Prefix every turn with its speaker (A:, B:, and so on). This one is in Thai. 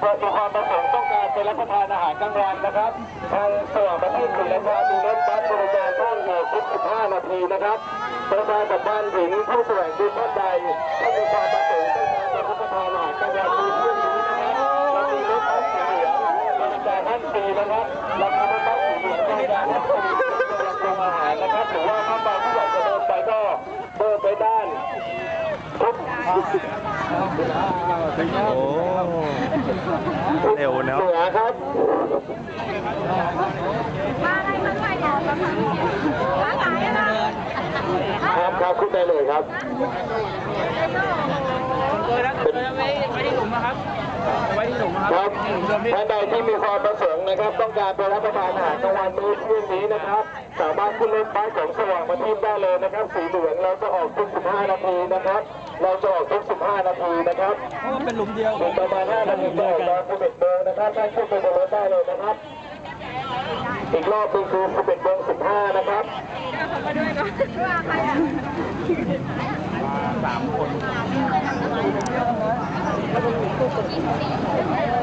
A: มีความประสงค์ต้องการไปรับประทานอาหารกลางวันนะครับทางสว่างประทีปศรีราชามีรถบัสบริการช่วงเหตุทุก15 นาทีนะครับประชาสัมพันธ์ถึงผู้แสวงบุญท่านใดที่มีความประสงค์ต้องการไปรับประทานอาหารกลางวันในช่วงนี้นะครับเรามีรถบัสสีเหลืองบริการท่านฟรีนะครับราคารถบัสสีเหลืองบริการท่านฟรียังคงอาหารนะครับหรือว่าถ้าบางผู้ใหญ่จะเดินไปก็เดินไปด้านทุก
B: โอ้เร็วเนาะ
A: เหนือครับครับขึ้นได้เลยครับไว้ที่หลุมนะครับครับท่านใดที่มีความประสงค์นะครับต้องการไปรับประทานอาหารกลางวันมื้อเที่ยงนี้นะครับสามารถขึ้นรถบัสของสว่างประทีปได้เลยนะครับสีเหลืองเราจะออกทุก15 นาทีนะครับเราจะออกทุก15 นาทีนะครับ
C: เป็นหลุมเดียว
A: ประมาณ5 นาทีจะออกตอน11 โมงนะครับท่านขึ้นไปบนรถได้เลยนะครับอีกรอบนึงคือ11 โมง 15นะครับ
C: 3 คน